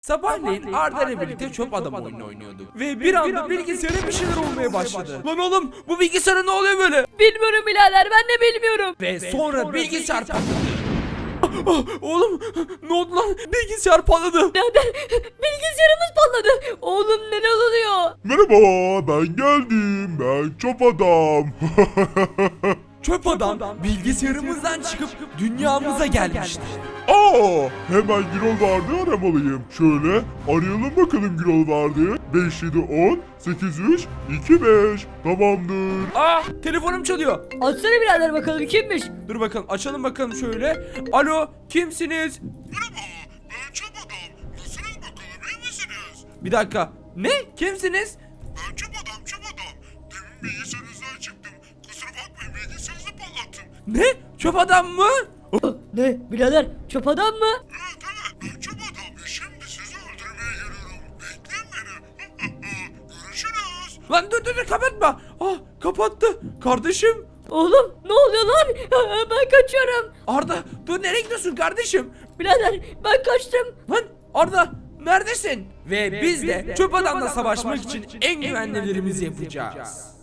Sabahleyin Arda ile birlikte çöp adam oyunu oynuyorduk. Ve bir anda bilgisayara bir şeyler olmaya başladı. Lan oğlum, bu bilgisayara ne oluyor böyle? Bilmiyorum birader, ben de bilmiyorum. Ve sonra bilgisayar patladı. Oğlum, ne oldu lan? Bilgisayar patladı. Birader, bilgisayarımız patladı. Oğlum neler oluyor? Merhaba, ben geldim. Ben çöp adam. Çöp adam bilgisayarımızdan çıkıp dünyamıza gelmişti. Aa, hemen Gürol vardı aramalıyım. Şöyle arayalım bakalım Gürol vardı. 5 7 10 8 3 2 5. Tamamdır. Telefonum çalıyor. Açsana birader bakalım kimmiş? Dur bakalım, açalım bakalım şöyle. Alo, kimsiniz? Merhaba, ben çöp adam. Nasılsınız bakalım, iyi misiniz? Bir dakika. Ne? Kimsiniz? Ben çöp adam, çöp adam. Demin bilgisayarınızdan çıktım. Kusura bakmayın, bilgisayarınızı patlattım. Ne? Çöp adam mı? Ne birader, çöp adam mı? Evet, ben çöp adam ve şimdi sizi öldürmeye geliyorum. Bekleyin beni. Görüşürüz. Lan dur kapatma. Kapattı. Kardeşim. Oğlum ne oluyor lan? Ben kaçıyorum. Arda, dur, nereye gidiyorsun kardeşim? Birader ben kaçtım. Lan Arda, neredesin? Ve biz de çöp adamla savaşmak için en güvenlilerimizi yapacağız.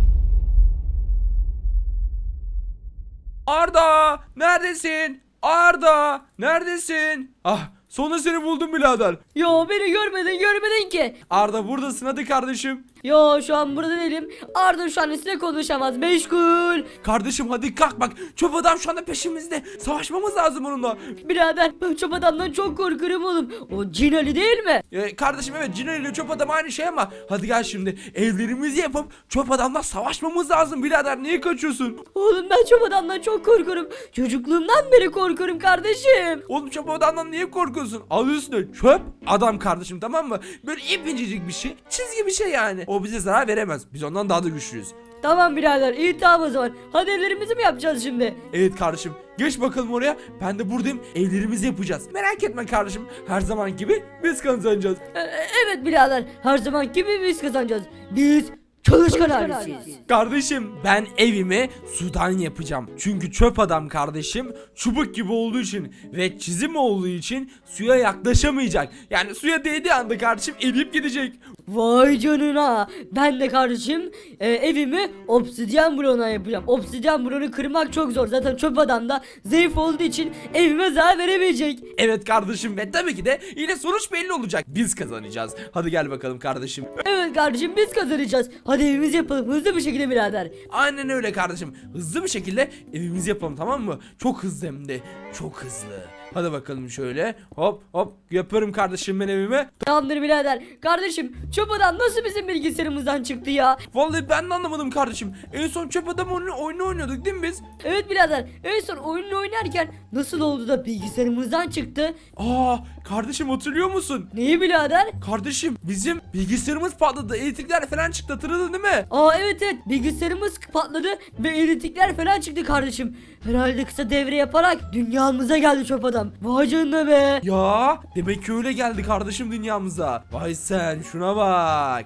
Arda, neredesin? Arda, neredesin? Sonunda seni buldum birader. Yo beni görmedin ki. Arda, buradasın, hadi kardeşim. Yo şu an burada değilim. Arda şu an sizinle konuşamaz, meşgul. Kardeşim hadi kalk, bak çöp adam şu anda peşimizde. Savaşmamız lazım onunla. Birader ben çöp adamdan çok korkuyorum oğlum. O Cin Ali değil mi? Kardeşim evet, Cino ile çöp adam aynı şey ama hadi gel şimdi evlerimizi yapıp çöp adamla savaşmamız lazım birader, niye kaçıyorsun? Oğlum ben çöp adamdan çok korkuyorum. Çocukluğumdan beri korkuyorum kardeşim. Oğlum, çöp adamdan niye korkuyorsun? Adı üstünde çöp adam kardeşim, tamam mı? Böyle ipicicik bir şey, çizgi bir şey yani. O bize zarar veremez, biz ondan daha da güçlüyüz. Tamam birader, iyi tamam o zaman. Hadi evlerimizi mi yapacağız şimdi? Evet kardeşim, geç bakalım oraya, ben de buradayım, evlerimizi yapacağız. Merak etme kardeşim, her zaman gibi biz kazanacağız. Evet birader, her zaman gibi biz kazanacağız. Biz çalışkan ailesiyiz. Kardeşim, ben evimi sudan yapacağım. Çünkü çöp adam kardeşim çubuk gibi olduğu için ve çizim olduğu için suya yaklaşamayacak. Yani suya değdiği anda kardeşim eriyip gidecek. Vay canına. Ben de kardeşim evimi obsidyen bloğuna yapacağım. Obsidyen bloğunu kırmak çok zor. Zaten çöp adam da zayıf olduğu için evime zarar veremeyecek. Evet kardeşim, ve tabii ki de yine sonuç belli olacak. Biz kazanacağız. Hadi gel bakalım kardeşim. Evet kardeşim, biz kazanacağız. Hadi evimizi yapalım hızlı bir şekilde birader. Aynen öyle kardeşim. Hızlı bir şekilde evimizi yapalım, tamam mı? Çok hızlı, hem de çok hızlı. Hadi bakalım şöyle. Hop hop yapıyorum kardeşim ben evime. Tamamdır birader. Kardeşim çöp adam nasıl bizim bilgisayarımızdan çıktı ya? Vallahi ben de anlamadım kardeşim. En son çöp adam oyunu oynuyorduk değil mi biz? Evet birader, en son oyunu oynarken nasıl oldu da bilgisayarımızdan çıktı? Kardeşim hatırlıyor musun? Neyi birader? Kardeşim bizim bilgisayarımız patladı. Elektrikler falan çıktı, hatırladın değil mi? Evet bilgisayarımız patladı ve elektrikler falan çıktı kardeşim. Herhalde kısa devre yaparak dünyamıza geldi çöp adam. Vay canına be. Ya demek ki öyle geldi kardeşim dünyamıza. Vay sen şuna bak.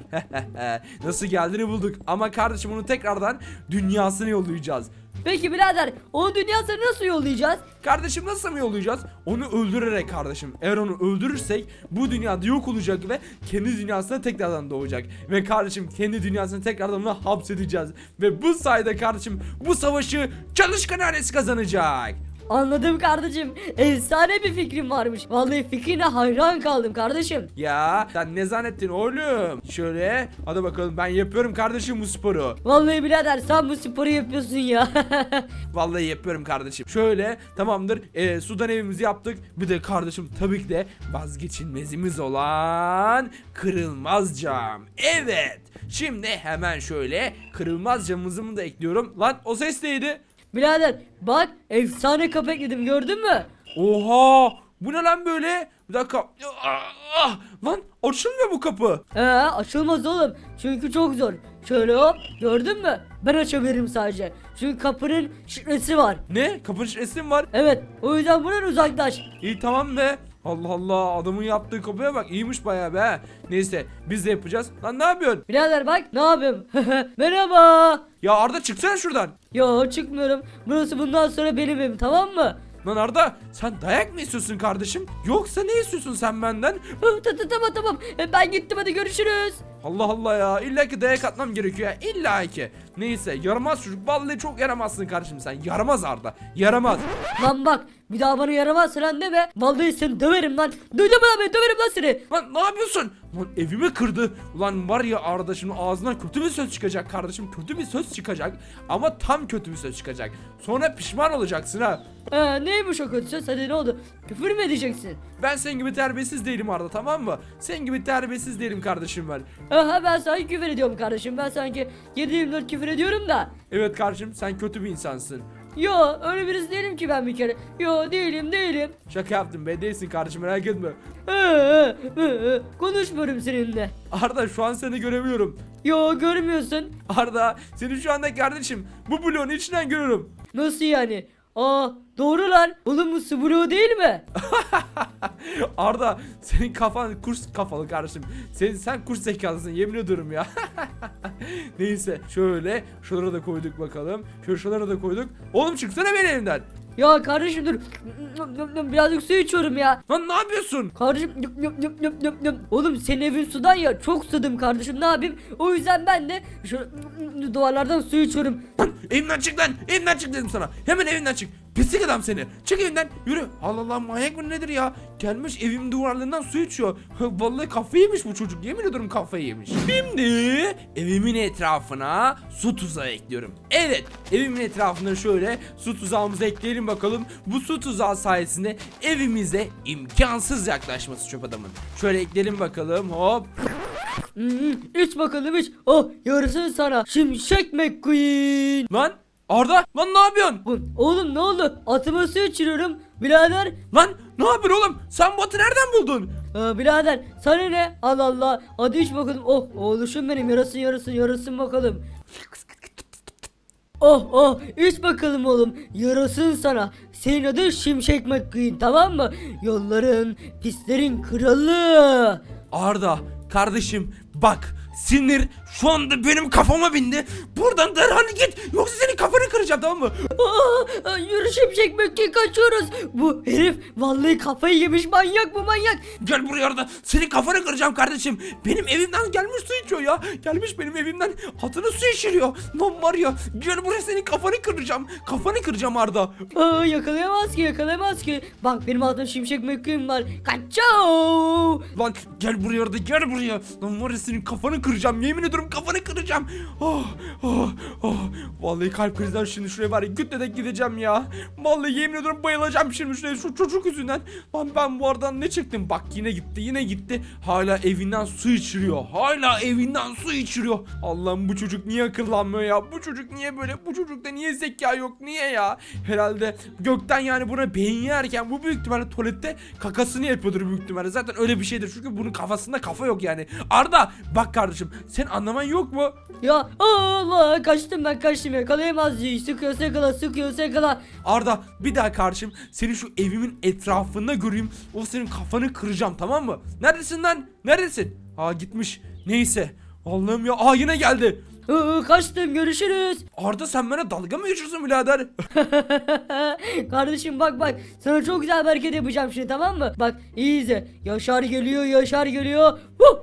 Nasıl geldiğini bulduk. Ama kardeşim onu tekrardan dünyasına yollayacağız. Peki birader, o dünyasını nasıl yollayacağız? Kardeşim nasıl mı yollayacağız? Onu öldürerek kardeşim. Eğer onu öldürürsek bu dünyada yok olacak ve kendi dünyasına tekrardan doğacak. Ve kardeşim kendi dünyasına tekrardan onu hapsedeceğiz. Ve bu sayede kardeşim bu savaşı çalışkan ailesi kazanacak. Anladım kardeşim. Efsane bir fikrim varmış. Vallahi fikrine hayran kaldım kardeşim. Ya sen ne zannettin oğlum? Şöyle hadi bakalım, ben yapıyorum kardeşim bu sporu. Vallahi birader sen bu sporu yapıyorsun ya. Vallahi yapıyorum kardeşim. Şöyle tamamdır, sudan evimizi yaptık. Bir de kardeşim tabii ki de vazgeçilmezimiz olan kırılmaz cam. Evet. Şimdi hemen şöyle kırılmaz camımızı da ekliyorum. Lan o ses neydi? Birader bak, efsane kapı ekledim, gördün mü? Oha! Bu ne lan böyle? Bir dakika. Lan açılmıyor bu kapı. Açılmaz oğlum. Çünkü çok zor. Şöyle hop, gördün mü? Ben açabilirim sadece. Çünkü kapının şifresi var. Ne? Kapının şifresi mi var? Evet, o yüzden buradan uzaklaş. İyi tamam be. Allah Allah, adamın yaptığı kapıya bak, iyiymiş bayağı be. Neyse biz de yapacağız. Lan ne yapıyorsun? Birader bak ne yapayım. Merhaba. Ya Arda çıksana şuradan. Yo çıkmıyorum. Burası bundan sonra benim evim, tamam mı? Lan Arda sen dayak mı istiyorsun kardeşim? Yoksa ne istiyorsun sen benden? Tamam. Ben gittim, hadi görüşürüz. Allah Allah ya, illa ki dayak atmam gerekiyor ya, illa ki. Neyse, yaramaz çocuk, vallahi çok yaramazsın kardeşim sen. Yaramaz Arda, yaramaz. Lan bak, bir daha bana yaramaz lan deme. Vallahi seni döverim lan. Duydun mu lan beni, döverim lan seni. Lan ne yapıyorsun? Lan evimi kırdı. Ulan var ya Arda, şimdi ağzından kötü bir söz çıkacak kardeşim. Kötü bir söz çıkacak. Ama tam kötü bir söz çıkacak. Sonra pişman olacaksın ha. Neymiş o kötü söz, hadi ne oldu? Küfür mü edeceksin? Ben senin gibi terbiyesiz değilim Arda, tamam mı? Senin gibi terbiyesiz değilim kardeşim ben. Aha, ben sana küfür ediyorum kardeşim. Ben sanki 7/24 küfür ediyorum da. Evet kardeşim, sen kötü bir insansın. Yo, öyle birisi değilim ki ben bir kere. Yo, değilim. Şaka yaptım be, değilsin kardeşim, merak etme. Konuşmuyorum seninle. Arda şu an seni göremiyorum. Yo, görmüyorsun. Arda seni şu anda kardeşim bu bloğun içinden görüyorum. Nasıl yani? Doğru lan. Oğlum bu su bloğu değil mi? Arda senin kafan kurs kafalı kardeşim. Sen kurs zekalısın, yemin ediyorum ya. Neyse, şöyle şuralara da koyduk bakalım. Şuralara da koyduk. Oğlum çıksana benim evimden. Ya kardeşim dur. Birazcık su içiyorum ya. Lan ne yapıyorsun? Kardeşim oğlum senin evin sudan ya, çok susadım kardeşim, ne yapayım? O yüzden ben de şu duvarlardan su içiyorum. Lan evimden çık lan. Evimden çık dedim sana. Hemen evimden çık. Pislik adam seni. Çık evimden. Yürü. Allah Allah, manyak mı nedir ya? Gelmiş evim duvarlarından su içiyor. Vallahi kafayı yemiş bu çocuk. Yemin ediyorum kafayı yemiş. Şimdi evimin etrafına su tuzağı ekliyorum. Evet. Evimin etrafına şöyle su tuzağımızı ekleyelim bakalım. Bu su tuzağı sayesinde evimize imkansız yaklaşması çöp adamın. Şöyle ekleyelim bakalım. Hop. İç bakalım iç. Oh, yarısın sana Şimşek McQueen. Lan Arda, lan ne yapıyorsun? Oğlum ne oldu? Atıma su içiriyorum birader. Lan ne yapıyorsun oğlum? Sen bu atı nereden buldun? Birader sana ne? Allah Allah. Hadi iç bakalım. Oh oğluşum benim, yarasın bakalım. Oh iç bakalım oğlum, yarasın sana. Senin adın Şimşek McQueen, tamam mı? Yolların, pislerin kralı. Arda kardeşim bak, sinir şu anda benim kafama bindi. Buradan derhal git, yoksa senin kafanı kıracağım, tamam mı? Yürü Şimşek McQueen, kaçıyoruz. Bu herif vallahi kafayı yemiş, manyak bu, manyak. Gel buraya Arda, senin kafanı kıracağım kardeşim. Benim evimden gelmiş su içiyor ya. Gelmiş benim evimden atını su içiriyor. Lan var ya, gel buraya, senin kafanı kıracağım. Kafanı kıracağım Arda. Yakalayamaz ki. Bak benim adım Şimşek McQueen var. Kaçao. Lan gel buraya Arda, gel buraya. Lan var ya, senin kafanı kıracağım, yemin ediyorum kafanı kıracağım. Vallahi kalp krizden şimdi şuraya var ya, gütleden gideceğim ya. Vallahi yemin ediyorum bayılacağım şimdi şuraya, şu çocuk yüzünden. Lan ben bu aradan ne çektim? Bak yine gitti. Hala evinden su içiriyor. Allah'ım, bu çocuk niye akıllanmıyor ya? Bu çocuk niye böyle? Bu çocukta niye zeka yok? Niye ya? Herhalde gökten yani buna beyin yerken bu büyük ihtimalle tuvalette kakasını yapıyordur büyük ihtimalle. Zaten öyle bir şeydir çünkü bunun kafasında kafa yok yani. Arda bak kardeşim, sen anlaman yok mu? Ya Allah, kaçtım, yakalayamaz diye. Sıkıyorsa yakala. Arda bir daha kardeşim, seni şu evimin etrafında göreyim, o senin kafanı kıracağım, tamam mı? Neredesin lan? Neredesin? Gitmiş. Neyse. Allah'ım ya. Yine geldi. Kaçtım, görüşürüz. Arda sen bana dalga mı geçiyorsun birader? Kardeşim bak sana çok güzel bir hareket yapacağım şimdi, tamam mı? Bak iyi izle. Yaşar geliyor.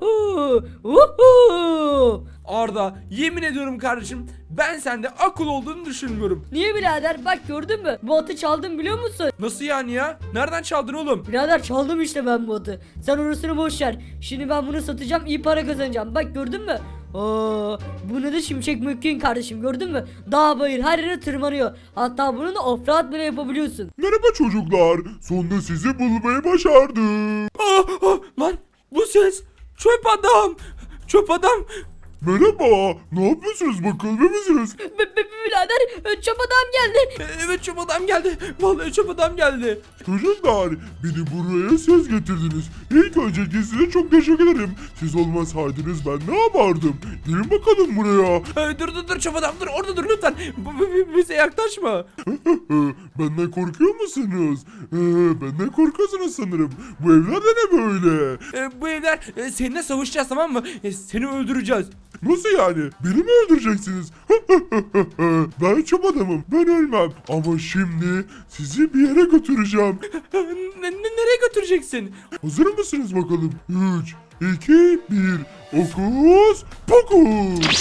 Arda yemin ediyorum kardeşim, ben sende akıl olduğunu düşünmüyorum. Niye birader? Bak gördün mü? Bu atı çaldım, biliyor musun? Nasıl yani ya? Nereden çaldın oğlum? Birader çaldım işte ben bu atı. Sen orasını boş ver. Şimdi ben bunu satacağım, iyi para kazanacağım. Bak gördün mü? Bunu da Şimşek McQueen kardeşim, gördün mü? Dağ bayır her yere tırmanıyor. Hatta bunu da offroad bile yapabiliyorsun. Merhaba çocuklar. Sonunda sizi bulmayı başardım. Lan bu ses çöp adam. Merhaba. Ne yapıyorsunuz bakalım, iyi misiniz? Birader çöp adam geldi. Evet, çöp adam geldi. Vallahi çöp adam geldi. Çocuklar, beni buraya siz getirdiniz. İlk öncelikle size çok teşekkür ederim. Siz olmasaydınız ben ne yapardım? Gelin bakalım buraya. Dur çöp adam, dur orada dur lütfen. Bize yaklaşma. Benden korkuyor musunuz? Benden korkuyorsunuz sanırım. Bu evler de ne böyle? Bu evler seninle savaşacağız, tamam mı? Seni öldüreceğiz. Nasıl yani? Beni mi öldüreceksiniz? Ben çöp adamım. Ben ölmem. Ama şimdi sizi bir yere götüreceğim. Nereye götüreceksin? Hazır mısınız bakalım? 3, 2, 1. Okus pokus.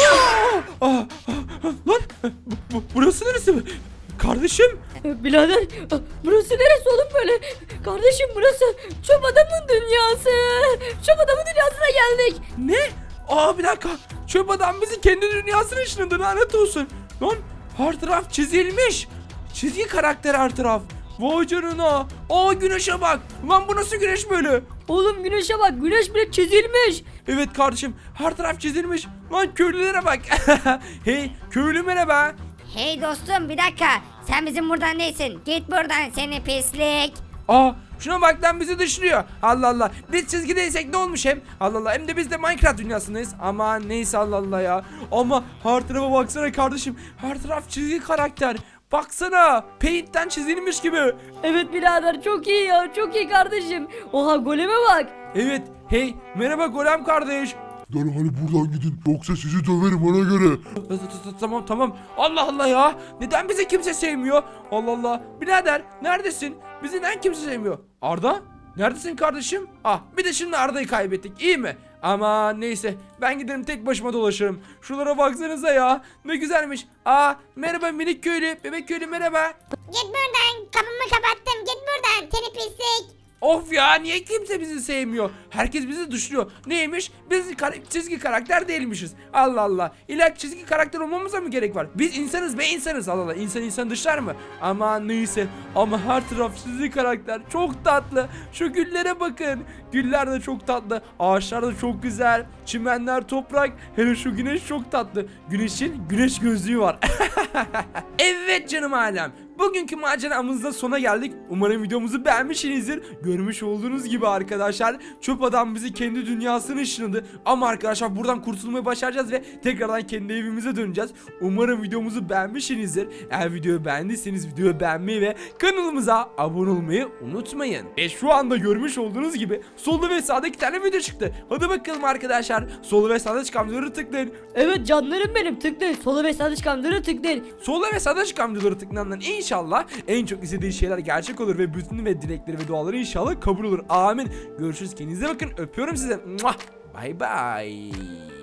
Lan burası neresi? Kardeşim. Birader burası neresi oğlum böyle? Kardeşim burası çöp adamın dünyası. Çöp adamın dünyasına geldik. Ne? Bir dakika. Çöp adam bizi kendi dünyasına ışınladı, lanet olsun. Lan her taraf çizilmiş. Çizgi karakter her taraf. Vay canına. Güneşe bak. Lan bu nasıl güneş böyle? Oğlum güneşe bak, güneş bile çizilmiş. Evet kardeşim, her taraf çizilmiş. Lan köylülere bak. Hey köylü merhaba. Hey dostum bir dakika. Sen bizim buradan değilsin. Git buradan seni pislik. Şuna bak lan, bizi dışlıyor. Allah Allah. Biz çizgideysek ne olmuş hem? Allah Allah. Hem de biz de Minecraft dünyasındayız. Ama neyse, Allah Allah ya. Ama her tarafa baksana kardeşim. Her taraf çizgi karakter. Baksana. Paint'ten çizilmiş gibi. Evet birader çok iyi ya, çok iyi kardeşim. Oha goleme bak. Evet. Hey merhaba Golem kardeş. Derhal buradan gidin. Yoksa sizi döverim ona göre. Tamam. Allah Allah ya. Neden bizi kimse sevmiyor? Allah Allah. Birader neredesin? Bizi neden kimse sevmiyor? Arda? Neredesin kardeşim? Bir de şimdi Arda'yı kaybettik. İyi mi? Ama neyse. Ben giderim tek başıma dolaşırım. Şuralara baksanıza ya. Ne güzelmiş. Merhaba minik köylü. Bebek köylü merhaba. Git buradan. Kapımı kapattım. Git buradan seni pislik. Of ya, niye kimse bizi sevmiyor? Herkes bizi dışlıyor. Neymiş? Biz çizgi karakter değilmişiz. Allah Allah. İlla çizgi karakter olmamıza mı gerek var? Biz insanız be, insanız. Allah Allah. İnsan dışlar mı? Ama neyse. Ama her taraf çizgi karakter. Çok tatlı. Şu güllere bakın. Güller de çok tatlı. Ağaçlar da çok güzel. Çimenler, toprak. Hele şu güneş çok tatlı. Güneşin güneş gözlüğü var. Evet canım alem. Bugünkü maceramızda sona geldik. Umarım videomuzu beğenmişsinizdir. Görmüş olduğunuz gibi arkadaşlar, çöp adam bizi kendi dünyasına ışınladı. Ama arkadaşlar buradan kurtulmayı başaracağız ve tekrardan kendi evimize döneceğiz. Umarım videomuzu beğenmişsinizdir. Eğer videoyu beğendiyseniz videoyu beğenmeyi ve kanalımıza abone olmayı unutmayın. Ve şu anda görmüş olduğunuz gibi solda ve sağda 2 tane video çıktı. Hadi bakalım arkadaşlar. Solda ve sağda çıkan videoları tıklayın. Evet canlarım benim, tıklayın. Sola ve sağda çıkan videoları tıklayın. Solda ve sağda çıkan videoları tıklandan İnşallah en çok istediği şeyler gerçek olur ve bütün ve dilekleri ve duaları inşallah kabul olur. Amin. Görüşürüz. Kendinize bakın. Öpüyorum size. Bye bye.